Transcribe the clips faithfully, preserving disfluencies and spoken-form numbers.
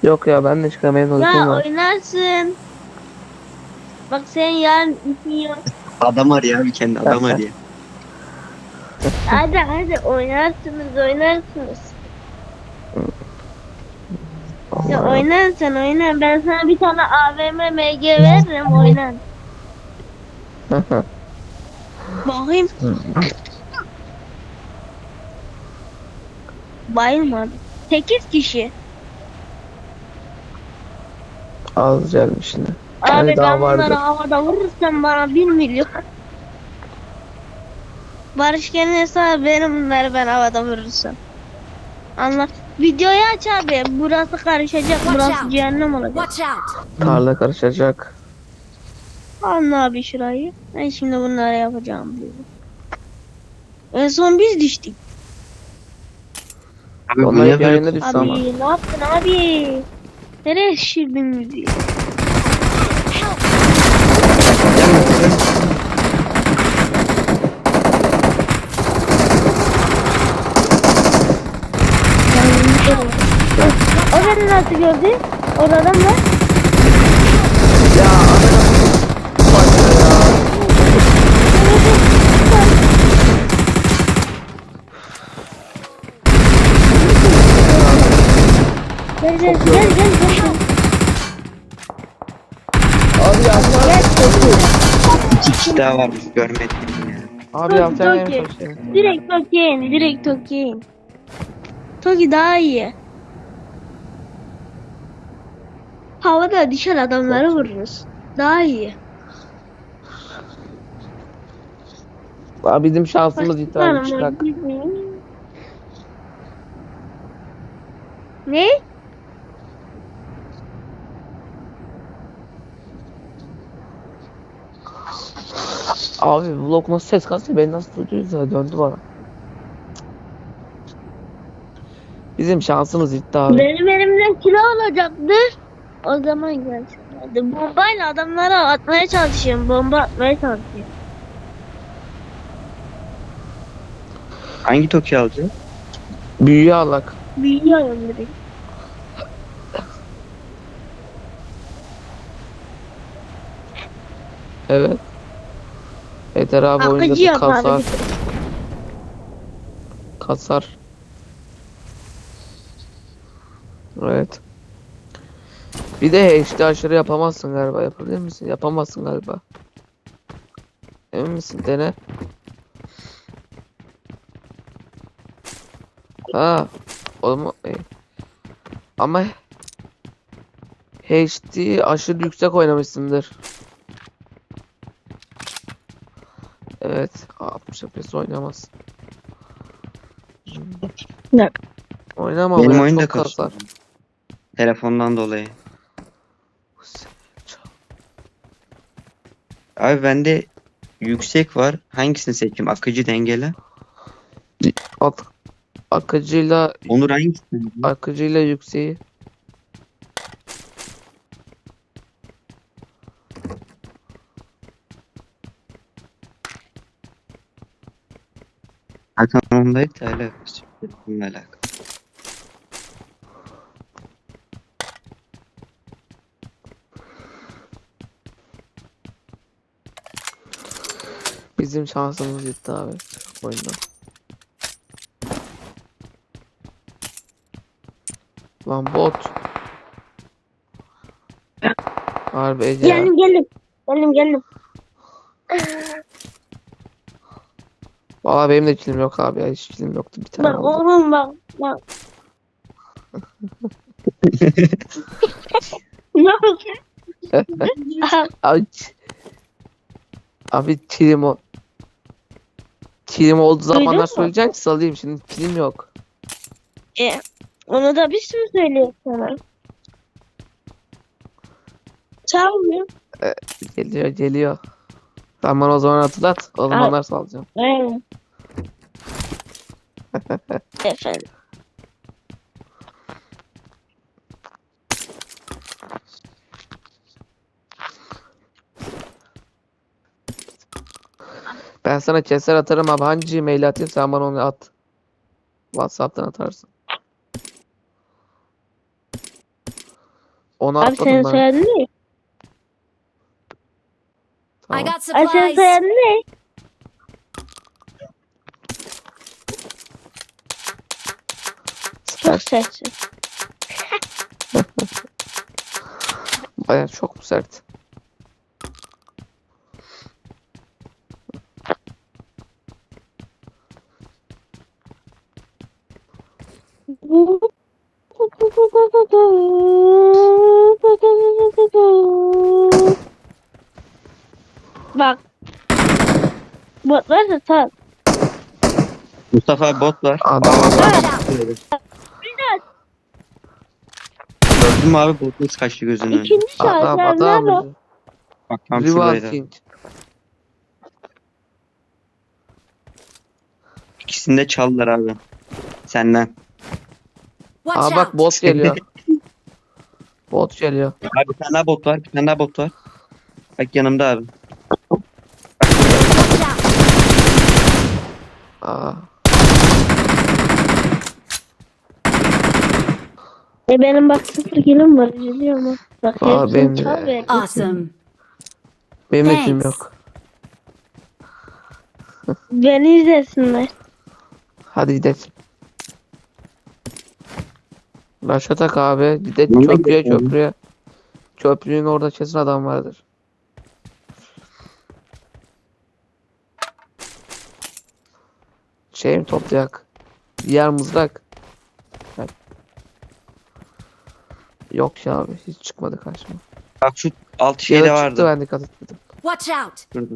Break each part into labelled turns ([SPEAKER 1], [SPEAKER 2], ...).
[SPEAKER 1] Yok ya ben de çıkamayayım, uykum
[SPEAKER 2] Ya
[SPEAKER 1] var.
[SPEAKER 2] oynarsın. Bak sen yarın işin yok.
[SPEAKER 3] Adam arıyor abi, kendi adam arıyor.
[SPEAKER 2] Hadi hadi oynarsınız oynarsınız. Ya
[SPEAKER 1] Allah.
[SPEAKER 2] oynan sen oynan. Ben sana bir tane A V M M G veririm oynan. Bakayım. Bayılmadı. Sekiz kişi.
[SPEAKER 1] Az gelmiş şimdi.
[SPEAKER 2] Abi
[SPEAKER 1] Yani daha
[SPEAKER 2] ben bunları
[SPEAKER 1] vardır.
[SPEAKER 2] havada vurursam bana bir milyon. Barış kendine sağ benim bunları ben havada vurursam. Anla. Videoyu aç abi. Burası karışacak.
[SPEAKER 4] Watch
[SPEAKER 2] Burası
[SPEAKER 4] out!
[SPEAKER 2] cehennem olacak.
[SPEAKER 4] Watch out!
[SPEAKER 1] Tarla karışacak.
[SPEAKER 2] Anla abi şurayı. Ben şimdi bunları yapacağım diyorum. En son biz düştük.
[SPEAKER 3] Abi bu
[SPEAKER 1] Onlar
[SPEAKER 3] ne
[SPEAKER 1] hep
[SPEAKER 3] böyle
[SPEAKER 1] yayına düştü ama.
[SPEAKER 2] Abi ne yaptın abi? Nereye şişirdin müziği? O beni nasıl gördü? Orada adam var.
[SPEAKER 1] Ya Başka ya.
[SPEAKER 2] Gel gel gel gel gel.
[SPEAKER 1] Abi yapacağım.
[SPEAKER 3] iki kişi daha varmış, görmedim ya.
[SPEAKER 1] Abi
[SPEAKER 2] Toki
[SPEAKER 1] yapacağım
[SPEAKER 2] Toki.
[SPEAKER 1] yemiş hoş
[SPEAKER 2] Direkt Toki'ye in. Direkt Toki'ye in. Toki daha iyi. Havada düşen adamları vururuz. Daha iyi.
[SPEAKER 1] Abi bizim şansımız iptal
[SPEAKER 2] Başlarım
[SPEAKER 1] çıkak.
[SPEAKER 2] ben. Ne?
[SPEAKER 1] Abi vlog nasıl ses kastı, beni nasıl duyduğuysa ya, döndü bana. Bizim şansımız gitti abi.
[SPEAKER 2] Benim elimden kilo alacaktı. O zaman gelsin. Bombayla adamlara atmaya çalışıyorum. Bomba atmaya çalışıyorum.
[SPEAKER 3] Hangi Toki alacak?
[SPEAKER 1] Büyüye alak.
[SPEAKER 2] Biliyorum direkt.
[SPEAKER 1] Evet. Yeter abi,
[SPEAKER 2] Akıcı
[SPEAKER 1] oyunda
[SPEAKER 2] yap abi.
[SPEAKER 1] kasar. Kasar. Evet. Bir de H D aşırı yapamazsın galiba. Yapabilir misin? Yapamazsın galiba. Emin misin? Dene. Ha. O mu? E. Ama H D aşırı yüksek oynamışsındır. Evet. altmış F P S oynamaz.
[SPEAKER 2] Bak.
[SPEAKER 1] Oynama
[SPEAKER 3] Benim
[SPEAKER 1] ama
[SPEAKER 3] oyun da
[SPEAKER 1] çok
[SPEAKER 3] kasıyor.
[SPEAKER 1] kasar.
[SPEAKER 3] Telefondan dolayı. Abi bende yüksek var. Hangisini seçeyim? Akıcı, dengeli.
[SPEAKER 1] At akıcıyla
[SPEAKER 3] Onur hangisini?
[SPEAKER 1] akıcıyla yükseği.
[SPEAKER 3] Hakan ondaydı da alakası yok. Bununla alakalı.
[SPEAKER 1] Bizim şansımız gitti abi oyunda. Lan bot. Harbi Ece ya.
[SPEAKER 2] Geldim geldim. Geldim geldim.
[SPEAKER 1] Valla benim de kilim yok abi ya. Hiç kilim yoktu. Bir tane
[SPEAKER 2] Bak
[SPEAKER 1] aldım.
[SPEAKER 2] oğlum bak. Bak. Ne oldu?
[SPEAKER 1] Abi, abi kilim o. Kilim olduğu zamanlar
[SPEAKER 2] mu?
[SPEAKER 1] söyleyeceksin ki salayım. Şimdi kilim yok.
[SPEAKER 2] E, onu da biz mi söylüyoruz sana? Çalmıyor.
[SPEAKER 1] Geliyor geliyor. Sen bana o zaman hatırlat. O zamanlar salacağım.
[SPEAKER 2] Evet. Efendim.
[SPEAKER 1] Ben sana keser atarım abi. Hangi mail atayım, sen bana onu at. WhatsApp'tan atarsın. Onu
[SPEAKER 2] Abi
[SPEAKER 1] atladım
[SPEAKER 2] senin
[SPEAKER 1] ben.
[SPEAKER 2] soyadın ne?
[SPEAKER 4] I
[SPEAKER 1] Tamam.
[SPEAKER 4] got
[SPEAKER 2] Abi senin
[SPEAKER 4] supplies.
[SPEAKER 2] soyadın ne? Çok sessiz.
[SPEAKER 1] Baya çok mu sert?
[SPEAKER 2] Bak. Bot varsa sal.
[SPEAKER 3] Mustafa abi bot var.
[SPEAKER 1] Adam
[SPEAKER 3] Aa,
[SPEAKER 1] adam.
[SPEAKER 4] Watch out.
[SPEAKER 3] gördün mü abi bot nasıl kaçtı gözünün önüne?
[SPEAKER 2] İkinci şahıs
[SPEAKER 1] Adam
[SPEAKER 2] abi nerede o?
[SPEAKER 1] adam.
[SPEAKER 3] Bak tam
[SPEAKER 1] Rival
[SPEAKER 3] şuradaydı.
[SPEAKER 1] King.
[SPEAKER 3] İkisini de çaldılar abi. Senden.
[SPEAKER 4] Watch
[SPEAKER 1] Aa bak
[SPEAKER 4] out.
[SPEAKER 1] bot geliyor. Bot geliyor.
[SPEAKER 3] Abi bir tane daha bot var. Bir tane daha bot var. Bak yanımda abi.
[SPEAKER 4] Watch out.
[SPEAKER 1] Aa.
[SPEAKER 2] E benim bak sıfır kilim var. Üzülüyorum ha. Bak
[SPEAKER 1] Aa,
[SPEAKER 2] hepsini
[SPEAKER 1] benim de.
[SPEAKER 2] çal ver.
[SPEAKER 4] Awesome.
[SPEAKER 1] Benim de kim
[SPEAKER 4] Thanks.
[SPEAKER 1] yok.
[SPEAKER 2] Beni izlesinler.
[SPEAKER 1] Hadi gidelim. Başa tak abi. Gidelim
[SPEAKER 3] Nereye
[SPEAKER 1] köprüye
[SPEAKER 3] gidelim?
[SPEAKER 1] köprüye. Köprünün orada kesin adam vardır. Şey mi toplayak? Diğer mızrak. Bak. Yok ya abi hiç çıkmadı karşıma.
[SPEAKER 3] Bak şu alt
[SPEAKER 1] Şey
[SPEAKER 3] şeyde
[SPEAKER 1] çıktı
[SPEAKER 3] vardı.
[SPEAKER 1] ben dikkat etmedim.
[SPEAKER 4] Watch out.
[SPEAKER 3] Şurada.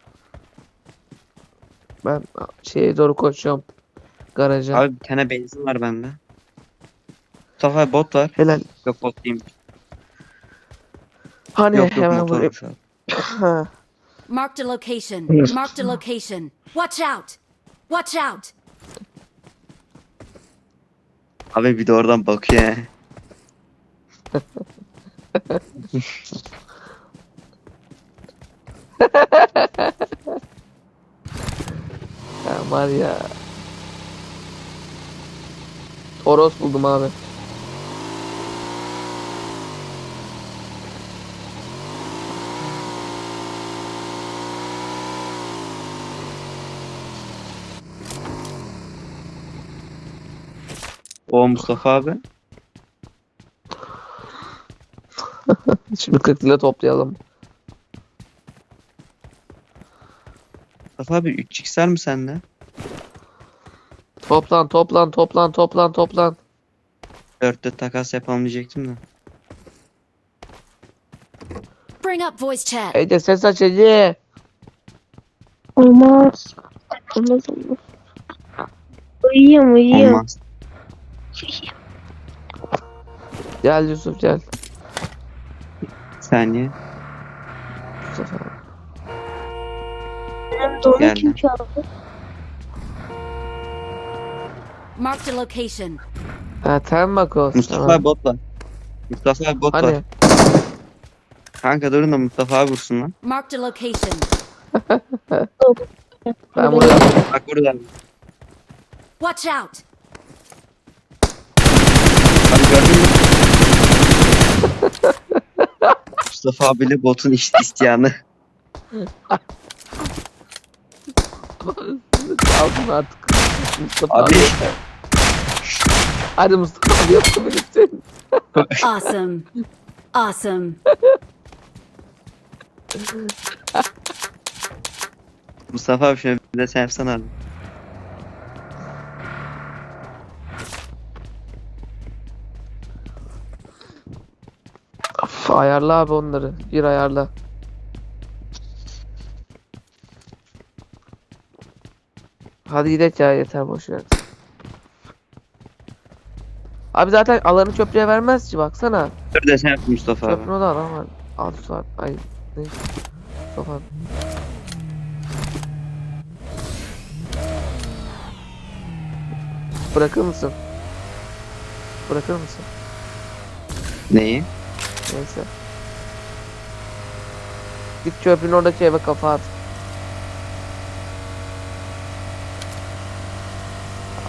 [SPEAKER 1] Ben şeye doğru koşuyorum. Garaja.
[SPEAKER 3] Abi bir tane benzin var bende. Mustafa abi bot var.
[SPEAKER 1] Helal.
[SPEAKER 3] Yok bot değilmiş.
[SPEAKER 1] Hani
[SPEAKER 3] Yok yok
[SPEAKER 1] hemen vurayım.
[SPEAKER 3] motormuş abi.
[SPEAKER 1] Ha.
[SPEAKER 4] Marked a location. Marked a location. Watch out. Watch out.
[SPEAKER 3] Abi bir de oradan bakıyor he.
[SPEAKER 1] Ya var ya. Toros buldum abi.
[SPEAKER 3] O Mustafa abi.
[SPEAKER 1] Şimdi kırk lira toplayalım.
[SPEAKER 3] Mustafa abi üç x var mı sende?
[SPEAKER 1] Toplan toplan toplan toplan toplan.
[SPEAKER 3] dörtte takas yapalım diyecektim de.
[SPEAKER 4] Bring up voice chat.
[SPEAKER 1] Ece ses aç Ece.
[SPEAKER 2] Olmaz. Olmaz olmaz. Uyuyorum uyuyorum.
[SPEAKER 3] Olmaz.
[SPEAKER 1] Gel Yusuf gel.
[SPEAKER 3] Bir saniye.
[SPEAKER 1] Mustafa abi.
[SPEAKER 2] Benim donu
[SPEAKER 3] Geldi.
[SPEAKER 2] kim çaldı?
[SPEAKER 4] Marked a location.
[SPEAKER 1] Ha tamam bak o.
[SPEAKER 3] Mustafa
[SPEAKER 1] Tamam.
[SPEAKER 3] abi bot var. Mustafa abi bot var.
[SPEAKER 1] Hani
[SPEAKER 3] Kanka durun da Mustafa abi vursun lan.
[SPEAKER 4] Marked a location.
[SPEAKER 1] ben buraya
[SPEAKER 3] Bak burada.
[SPEAKER 4] Watch out.
[SPEAKER 3] Abi gördün mü? Mustafa abiyle botun iş isteyanı.
[SPEAKER 1] aldım artık. Mustafa
[SPEAKER 3] Abi
[SPEAKER 1] abi. Hadi Mustafa abi yapabilirsin.
[SPEAKER 4] Awesome. Awesome.
[SPEAKER 3] Mustafa abi şöyle bir de sen yapsana abi.
[SPEAKER 1] Of, ayarla abi onları. Bir ayarla. Hadi gidelim ya yeter boş ver. Abi zaten alanı çöplüğe vermez ki baksana.
[SPEAKER 3] Dur da sen yap Mustafa abi.
[SPEAKER 1] Çöplüğün o da adam var. Al Suat. Ay neyse. Mustafa abi. Bırakır mısın? Bırakır mısın?
[SPEAKER 3] Neyi?
[SPEAKER 1] Neyse. Git çöplüğün oradaki eve kafa at.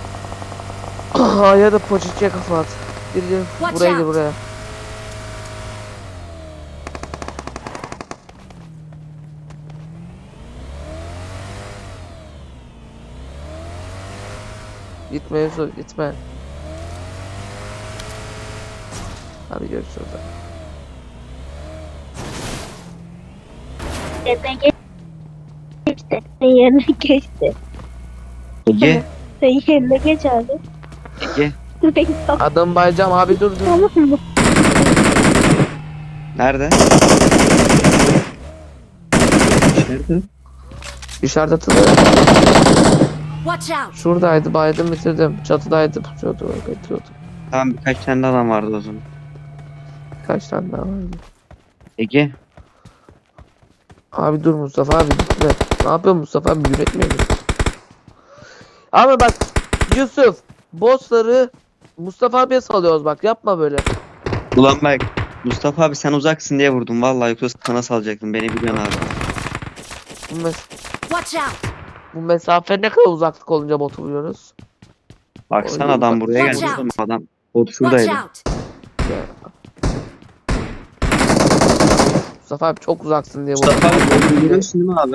[SPEAKER 1] Ya da poçiçiye kafa at. Gir gir.
[SPEAKER 4] Watch
[SPEAKER 1] Buraya gir
[SPEAKER 4] out.
[SPEAKER 1] buraya. Gitme Yusuf gitme. Hadi görüşürüz.
[SPEAKER 2] Yerine geçti. Sen yerine geçti.
[SPEAKER 3] Ege.
[SPEAKER 2] Sen yerine geç abi.
[SPEAKER 3] Ege.
[SPEAKER 1] Adım Baycam abi dur dur.
[SPEAKER 2] Tamam mı?
[SPEAKER 3] Nerede? Nerede?
[SPEAKER 1] İşaret atıldı.
[SPEAKER 4] Watch out!
[SPEAKER 1] Şuradaydı baydım bitirdim. Çatıdaydı pusuyordu bekliyordu.
[SPEAKER 3] Tamam birkaç tane adam vardı o zaman.
[SPEAKER 1] Kaç tane daha vardı.
[SPEAKER 3] Ege.
[SPEAKER 1] Abi dur Mustafa abi gitme. Ne yapıyorsun Mustafa abi yüretmiyor musun? Ama bak Yusuf bossları Mustafa abiye salıyoruz bak yapma böyle.
[SPEAKER 3] Ulan bak. Mustafa abi sen uzaksın diye vurdum. Vallahi yoksa sana salacaktım. Beni biliyorsun abi.
[SPEAKER 1] Bu, mes-
[SPEAKER 4] Watch out!
[SPEAKER 1] bu mesafe ne kadar uzaklık olunca botu vuruyoruz.
[SPEAKER 3] Baksana
[SPEAKER 1] Oy,
[SPEAKER 3] adam
[SPEAKER 1] bak-
[SPEAKER 3] buraya
[SPEAKER 4] Watch
[SPEAKER 3] gelmiş.
[SPEAKER 4] out.
[SPEAKER 3] Adam. Bot
[SPEAKER 4] Watch
[SPEAKER 3] şuradaydı.
[SPEAKER 4] out!
[SPEAKER 1] Ya. Mustafa abi çok uzaksın diye
[SPEAKER 3] Mustafa abi
[SPEAKER 1] vurdum.
[SPEAKER 3] botu görüyorsun değil mi abi?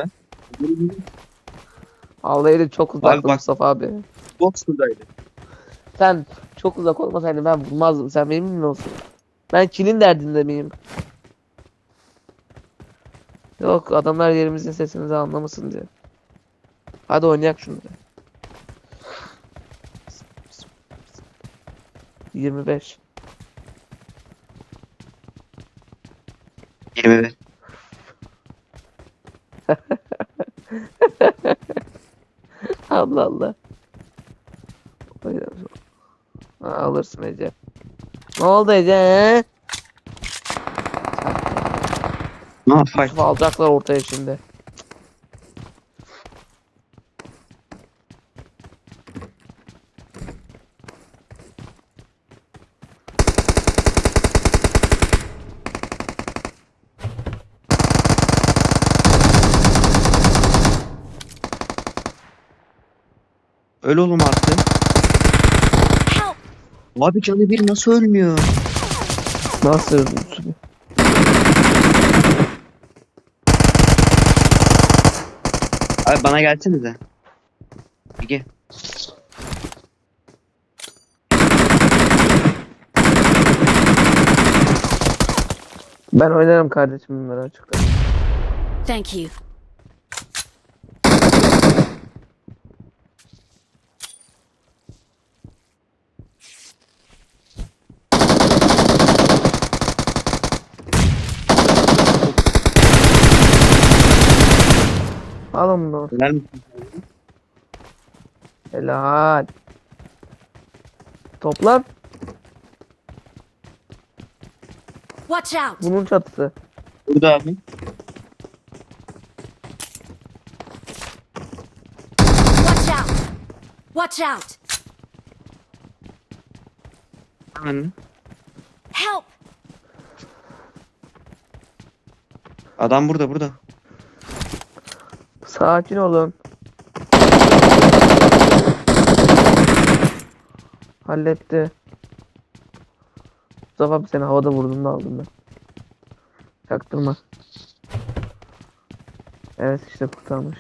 [SPEAKER 1] Vallahi çok uzaktı
[SPEAKER 3] bak-
[SPEAKER 1] Mustafa abi.
[SPEAKER 3] Bot şuradaydı.
[SPEAKER 1] Sen çok uzak olmasaydın ben vurmazdım. Sen benim mi olsun? Ben kilin derdinde miyim? Yok adamlar yerimizin sesini de anlamasın diye. Hadi oynayak şunu. yirmi beş.
[SPEAKER 3] yirmi bir.
[SPEAKER 1] Allah Allah. Ha, alırsın Ece. Ne oldu Ece? he?
[SPEAKER 3] Ne yapayım?
[SPEAKER 1] Yusuf alacaklar ortaya şimdi.
[SPEAKER 3] Öl oğlum artık.
[SPEAKER 4] Help!
[SPEAKER 3] Abi canı bir nasıl ölmüyor?
[SPEAKER 1] Nasıl?
[SPEAKER 3] Abi bana gelsenize. Ege.
[SPEAKER 1] Ben oynarım kardeşim bunları açıkta.
[SPEAKER 4] Thank you.
[SPEAKER 1] Alın bunu.
[SPEAKER 3] Öler misin?
[SPEAKER 1] Helal. Toplam
[SPEAKER 4] Watch out!
[SPEAKER 1] bunun çatısı.
[SPEAKER 3] Burada abi.
[SPEAKER 4] Watch out! Watch out!
[SPEAKER 3] Hemen.
[SPEAKER 4] Help!
[SPEAKER 3] Adam burada burada.
[SPEAKER 1] Sakin olun. Halletti. Mustafa abi seni havada vurduğunda aldım ben. Çaktırma. Evet işte kurtarmış.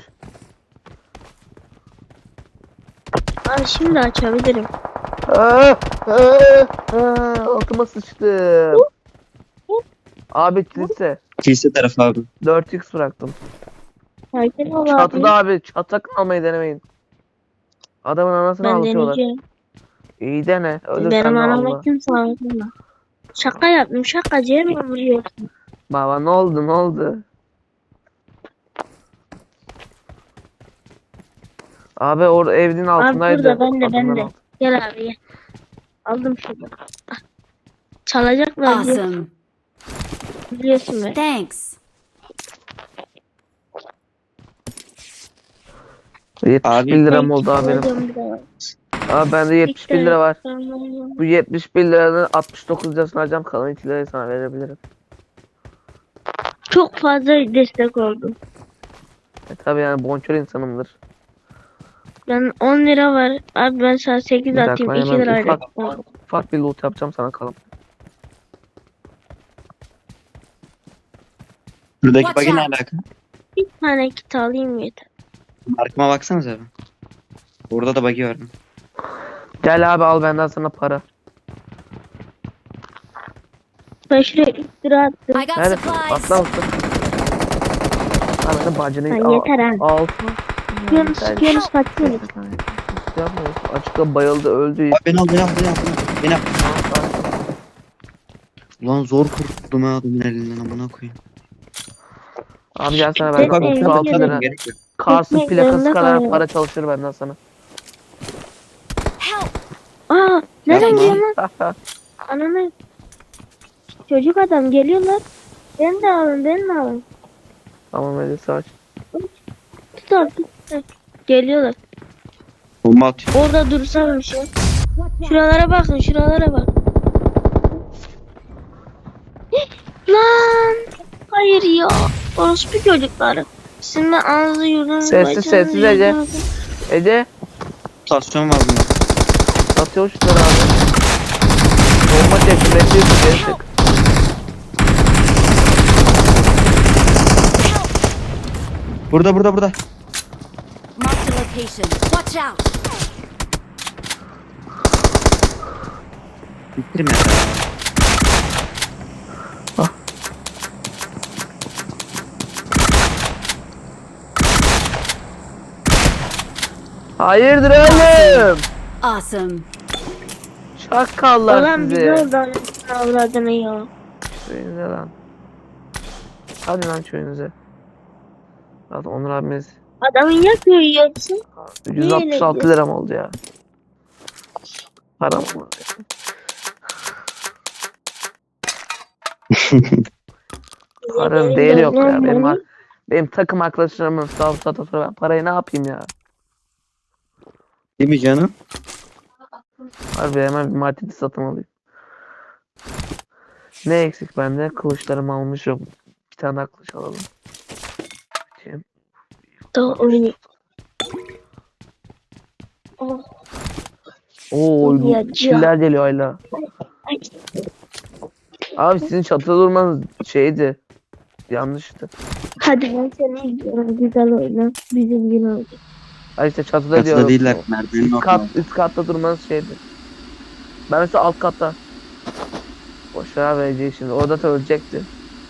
[SPEAKER 2] Abi şimdi açabilirim.
[SPEAKER 1] Aa, aa, aa, altıma sıçtım. Abi kilise.
[SPEAKER 3] Kilise tarafı abi.
[SPEAKER 1] dört x bıraktım.
[SPEAKER 2] Sakin ol abi.
[SPEAKER 1] Çatıda abi çatak almayı denemeyin. Adamın anasını
[SPEAKER 2] Ben
[SPEAKER 1] ağlatıyorlar.
[SPEAKER 2] deneyeceğim.
[SPEAKER 1] İyi dene. Ölürsen
[SPEAKER 2] Benim
[SPEAKER 1] de
[SPEAKER 2] anama
[SPEAKER 1] Allah.
[SPEAKER 2] kimse ağlatma. Şaka yaptım. Şakacıya mı vuruyorsun?
[SPEAKER 1] Baba ne oldu ne oldu? Abi orada evin altındaydı.
[SPEAKER 2] burada, ben de, ben
[SPEAKER 1] Adamlar
[SPEAKER 2] de.
[SPEAKER 1] altı.
[SPEAKER 2] Gel abi gel. Aldım şunu. Ah. Çalacaklar diye
[SPEAKER 4] Awesome.
[SPEAKER 2] biliyorsun ben.
[SPEAKER 4] Thanks.
[SPEAKER 1] yetmiş
[SPEAKER 3] Abi,
[SPEAKER 1] bir liram oldu abi benim.
[SPEAKER 2] Alacağım bir daha.
[SPEAKER 1] Abi bende yetmiş bir lira var.
[SPEAKER 2] Tamam.
[SPEAKER 1] Bu yetmiş bir liranın altmış dokuz lirasını alacağım. Kalan iki lirayı sana verebilirim.
[SPEAKER 2] Çok fazla destek oldum.
[SPEAKER 1] E tabi yani bonkör insanımdır.
[SPEAKER 2] Ben on lira var. Abi ben sana sekiz
[SPEAKER 1] Bir dakika,
[SPEAKER 2] atayım. iki
[SPEAKER 1] hemen
[SPEAKER 2] lirayla.
[SPEAKER 1] ufak- Ufak bir loot yapacağım sana kalan.
[SPEAKER 3] Buradaki
[SPEAKER 4] Watch
[SPEAKER 3] bagi ne
[SPEAKER 4] out.
[SPEAKER 3] alaka?
[SPEAKER 2] Bir tane kit alayım yeter.
[SPEAKER 3] Markıma baksanıza abi. Orada da bagi var.
[SPEAKER 1] Gel abi al benden sana para.
[SPEAKER 2] Ben şuraya ilk lira attım.
[SPEAKER 4] I got
[SPEAKER 1] Nerede?
[SPEAKER 4] supplies.
[SPEAKER 1] Atla mısın? Abi bacını
[SPEAKER 2] Ha, yeter ha.
[SPEAKER 1] Altı.
[SPEAKER 2] Sıkıyorsunuz sıkıyorsunuz kaçıyorsunuz.
[SPEAKER 1] Yapmıyorsun. Açıkta bayıldı öldü.
[SPEAKER 3] Abi beni al beni al beni al. Beni al. Ulan zor kurtuldum ha adamın elinden amına koyayım.
[SPEAKER 1] Abi gel sana
[SPEAKER 2] Ben
[SPEAKER 1] benden
[SPEAKER 2] evde
[SPEAKER 1] otuz altı
[SPEAKER 2] yerim.
[SPEAKER 1] lira.
[SPEAKER 3] Gerek yok.
[SPEAKER 1] Kars'ın
[SPEAKER 2] Ekmek
[SPEAKER 1] plakası
[SPEAKER 2] zorunda
[SPEAKER 1] kadar
[SPEAKER 2] kalıyorum.
[SPEAKER 1] para çalışır benden sana.
[SPEAKER 4] Help!
[SPEAKER 2] Aa nereden
[SPEAKER 3] Yapma.
[SPEAKER 2] geliyor lan? Ananı. Çocuk adam geliyorlar. Beni de alın beni de alın.
[SPEAKER 1] Tamam hadi saç.
[SPEAKER 2] Tut al tut. Heh, geliyorlar.
[SPEAKER 3] Bomba atıyor.
[SPEAKER 2] Orada dursam bir şey. Şuralara bakın şuralara bak. Lan. Hayır ya. Orospu çocukları. Sizin de ağzı yurdunuzu
[SPEAKER 1] Sessiz, sessiz Ece. Ece
[SPEAKER 3] Mutasyon var bunda.
[SPEAKER 1] atıyor şunları abi. Bomba çekti. Bekliyorsun geri çık.
[SPEAKER 3] Burada burada burada.
[SPEAKER 4] Marked a location. Watch out!
[SPEAKER 3] Bitirme ya.
[SPEAKER 1] Hayırdır oğlum?
[SPEAKER 4] Awesome.
[SPEAKER 1] Şakallar
[SPEAKER 2] Ulan bizi
[SPEAKER 1] sizi.
[SPEAKER 2] oradan avradını ya.
[SPEAKER 1] Köyünüze lan. Hadi lan köyünüze. Zaten Onur abimiz
[SPEAKER 2] Adamın ya köyü yiyorsun.
[SPEAKER 1] yüz altmış altı lira mı oldu ya? Param mı? Paranın değeri yok ya. Benim, benim takım arkadaşlarımın sağ sata sonra ben parayı ne yapayım ya?
[SPEAKER 3] Değil mi canım?
[SPEAKER 1] Harbi hemen bir martini satın alayım. Ne eksik bende? Kılıçlarımı almışım. Bir tane daha kılıç alalım. Bakayım.
[SPEAKER 2] Daha oyunu. Oh,
[SPEAKER 1] Oo,
[SPEAKER 2] Ya,
[SPEAKER 1] killer geliyor hala.
[SPEAKER 2] ay.
[SPEAKER 1] Abi sizin çatıda durmanız şeydi. Yanlıştı.
[SPEAKER 2] Hadi ben seni izliyorum. Güzel oyna. Bizim gün oldu.
[SPEAKER 1] Ay işte çatıda
[SPEAKER 3] Katıda
[SPEAKER 1] diyorum.
[SPEAKER 3] değiller. Merdivenin
[SPEAKER 1] Üst
[SPEAKER 3] orada.
[SPEAKER 1] kat, üst katta durmanız şeydi. Ben mesela alt katta. Boş ver abi Ece'yi şimdi. Orada da ölecekti.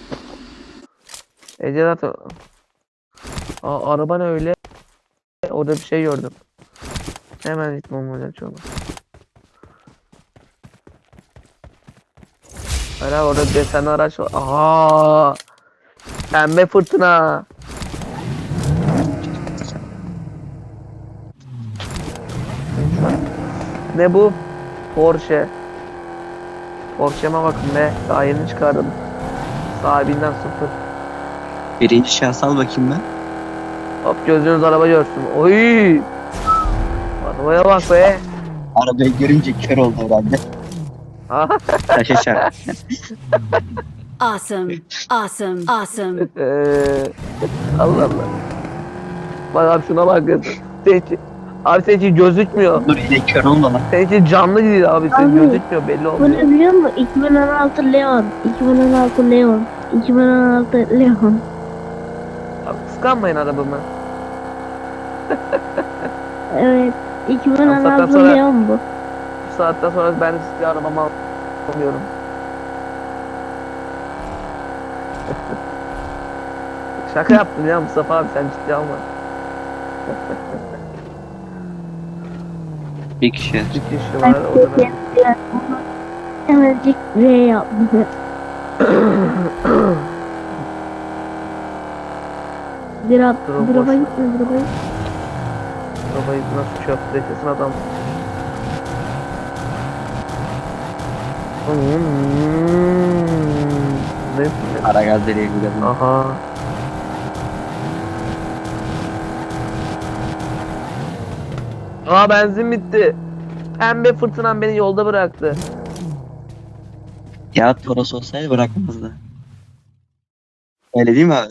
[SPEAKER 1] Ece zaten... Aa, araba ne öyle? Orada bir şey gördüm. Hemen gitmem olacak şu an. Hala orada desenli araç var. Aha! Pembe fırtına. Ne bu? Porsche. Porsche'ma bakın be. Daha yeni çıkardım. Sahibinden sıfır.
[SPEAKER 3] Birinci şahıs al bakayım ben.
[SPEAKER 1] Hop gözünüz araba görsün. Oy! Arabaya bak be.
[SPEAKER 3] Arabayı görünce kör oldu herhalde.
[SPEAKER 1] Aha.
[SPEAKER 3] Taşa çarp.
[SPEAKER 4] Awesome. Awesome. Awesome.
[SPEAKER 1] Eee, Allah Allah. Bak abi şuna bak. Seninki, abi seninki gözükmüyor.
[SPEAKER 3] Dur yine kör olma lan.
[SPEAKER 1] Seninki canlı değil abi. Senin
[SPEAKER 2] Abi,
[SPEAKER 1] gözükmüyor belli
[SPEAKER 2] Bu
[SPEAKER 1] olmuyor.
[SPEAKER 2] ne biliyor musun? iki bin on altı Leon. iki bin on altı Leon. iki bin on altı Leon.
[SPEAKER 1] Abi kıskanmayın arabamı.
[SPEAKER 2] Evet. iki bin on
[SPEAKER 1] Zaten
[SPEAKER 2] altı
[SPEAKER 1] sonra-
[SPEAKER 2] Leon bu.
[SPEAKER 1] Bu saatten sonra ben de size arabamı alamıyorum. Şaka yaptım ya Mustafa abi sen ciddi alma.
[SPEAKER 3] Bir kişi.
[SPEAKER 1] Bir kişi var o da ben.
[SPEAKER 2] Hemencik V yaptı. Drop,
[SPEAKER 1] Drop
[SPEAKER 2] drop'a
[SPEAKER 1] boş.
[SPEAKER 2] gitme, drop'a gitme.
[SPEAKER 1] Arabayı nasıl çöptü kesin adam. Hmm. Ne? ne-
[SPEAKER 3] Ara gaz deliğe gidelim.
[SPEAKER 1] Aha. Aa benzin bitti. Pembe fırtınam beni yolda bıraktı.
[SPEAKER 3] Ya Toros olsaydı bırakmazdı. Öyle değil mi abi?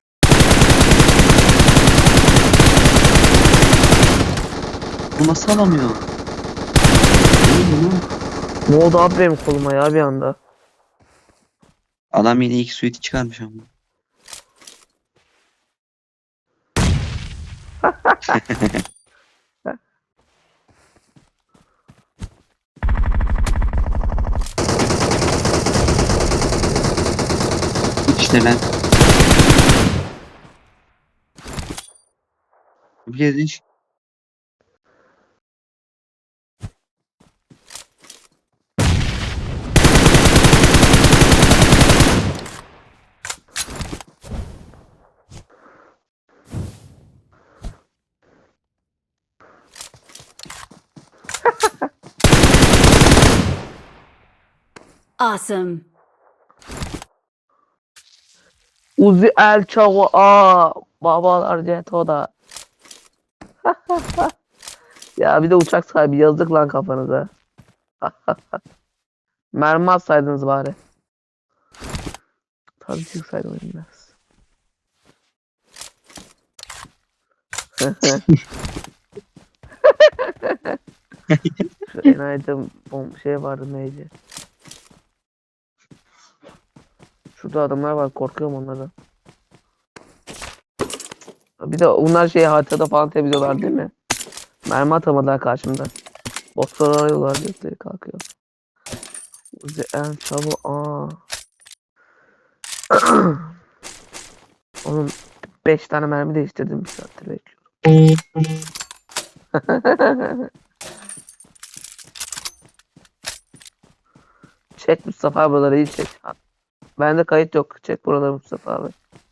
[SPEAKER 3] Bu nasıl alamıyor? Ne bu?
[SPEAKER 1] Ne oldu abi benim koluma ya bir anda?
[SPEAKER 3] Adam yine ilk suite'i çıkarmış ama. İşte lan. Bir kez iş.
[SPEAKER 4] Awesome.
[SPEAKER 1] Uzi El Chavo. Aa, babalar Ceto'da. Ya bir de uçak sahibi yazdık lan kafanıza. Mermi atsaydınız bari. Tabii çıksaydım biraz. Şu enayide bom şey vardı neydi? Şurada adamlar var, korkuyorum onlardan. Bir de onlar şey haritada falan temizliyorlar değil mi? Mermi atamadılar karşımda. Botlar arıyorlar gösteri kalkıyor. Uzi en çabuk aa. Onun beş tane mermi değiştirdim, bir saattir bekliyorum. Çek Mustafa abi, buraları iyi çek. Bende kayıt yok. Çek buraları Mustafa abi.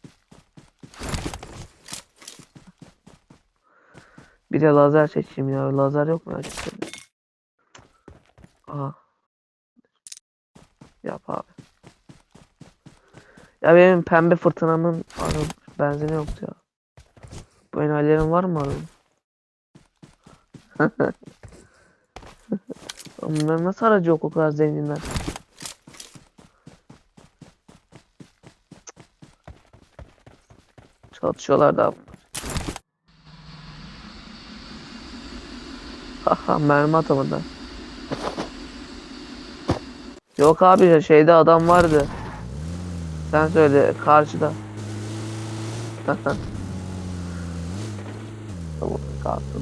[SPEAKER 1] Bir de lazer çekeyim ya. Lazer yok mu gerçekten? Aha. Yap abi. Ya benim pembe fırtınamın araba benzini yoktu ya. Bu enerjilerin var mı araba? Bunlar nasıl aracı yok o kadar zenginler? Çalışıyorlar da. Haha, mermi atamadı. Yok abi, şeyde adam vardı. Sen söyle, karşıda. Tamam, kalsın.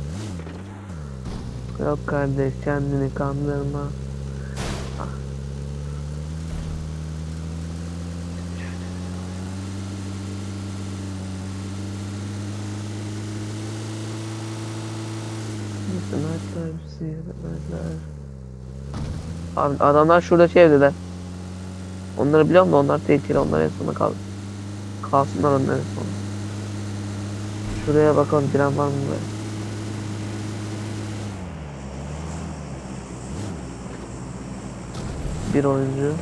[SPEAKER 1] Yok kardeş, kendini kandırma. Ah. Abi adamlar şurada şey evdeler. Onları biliyorum da onlar tehlikeli, onlar en sona kal kalsınlar onlar en sona. Şuraya bakalım, giren var mı böyle? Bir oyuncu.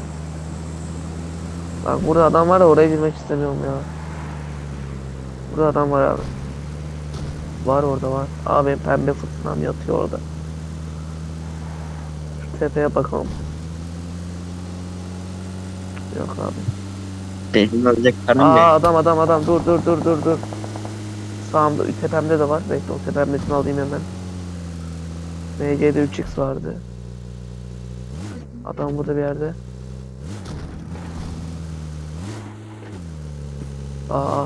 [SPEAKER 1] Bak burada adam var da oraya girmek istemiyorum ya. Burada adam var abi. Var orada var. Abi pembe fırtınam yatıyor orada. Şu tepeye bakalım. Yok abi.
[SPEAKER 3] Benim alacak karnım
[SPEAKER 1] Aa,
[SPEAKER 3] yok.
[SPEAKER 1] adam adam adam, dur dur dur dur dur. Sağımda tepemde de var. Bekle, o tepemdekini alayım hemen. M C'de üç x vardı. Adam burada bir yerde. Aa.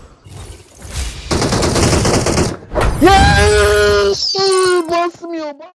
[SPEAKER 1] Yes! Basmıyor.